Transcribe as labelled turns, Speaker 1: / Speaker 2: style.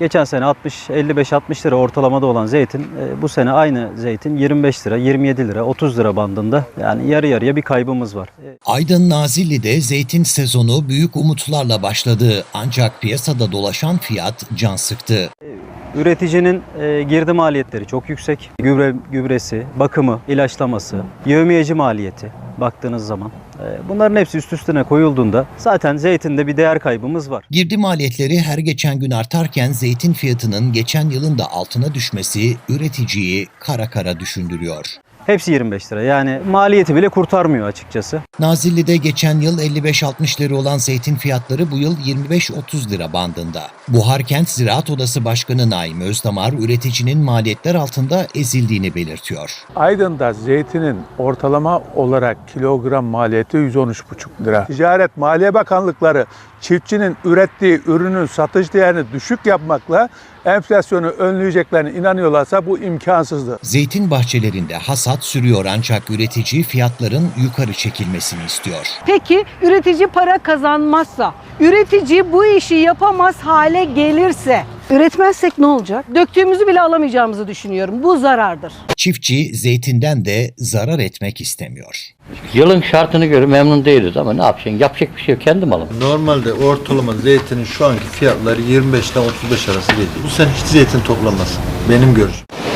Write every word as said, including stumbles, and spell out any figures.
Speaker 1: Geçen sene altmış, elli beş altmış lira ortalamada olan zeytin bu sene aynı zeytin yirmi beş lira, yirmi yedi lira, otuz lira bandında. Yani yarı yarıya bir kaybımız var.
Speaker 2: Aydın Nazilli'de zeytin sezonu büyük umutlarla başladı. Ancak piyasada dolaşan fiyat can sıktı.
Speaker 1: Üreticinin e, girdi maliyetleri çok yüksek. Gübre, gübresi, bakımı, ilaçlaması, yevmiyeci maliyeti baktığınız zaman. E, bunların hepsi üst üstüne koyulduğunda zaten zeytinde bir değer kaybımız var.
Speaker 2: Girdi maliyetleri her geçen gün artarken zeytin fiyatının geçen yılın da altına düşmesi üreticiyi kara kara düşündürüyor.
Speaker 1: Hepsi yirmi beş lira. Yani maliyeti bile kurtarmıyor açıkçası.
Speaker 2: Nazilli'de geçen yıl elli beş altmış lira olan zeytin fiyatları bu yıl yirmi beş otuz lira bandında. Buharkent Ziraat Odası Başkanı Naim Özdamar, üreticinin maliyetler altında ezildiğini belirtiyor.
Speaker 3: Aydın'da zeytinin ortalama olarak kilogram maliyeti yüz on üç buçuk lira. Ticaret Maliye Bakanlıkları çiftçinin ürettiği ürünün satış değerini düşük yapmakla enflasyonu önleyeceklerine inanıyorlarsa bu imkansızdır.
Speaker 2: Zeytin bahçelerinde hasat sürüyor ancak üretici fiyatların yukarı çekilmesini istiyor.
Speaker 4: Peki üretici para kazanmazsa, üretici bu işi yapamaz hale gelirse, üretmezsek ne olacak? Döktüğümüzü bile alamayacağımızı düşünüyorum. Bu zarardır.
Speaker 2: Çiftçi zeytinden de zarar etmek istemiyor.
Speaker 5: Yılın şartını göre memnun değiliz ama ne yapacaksın? Yapacak bir şey yok. Kendi malım.
Speaker 6: Normalde ortalama zeytinin şu anki fiyatları yirmi beşten otuz beş arası geliyor. Bu sene hiç zeytin toplamaz. Benim görüşüm.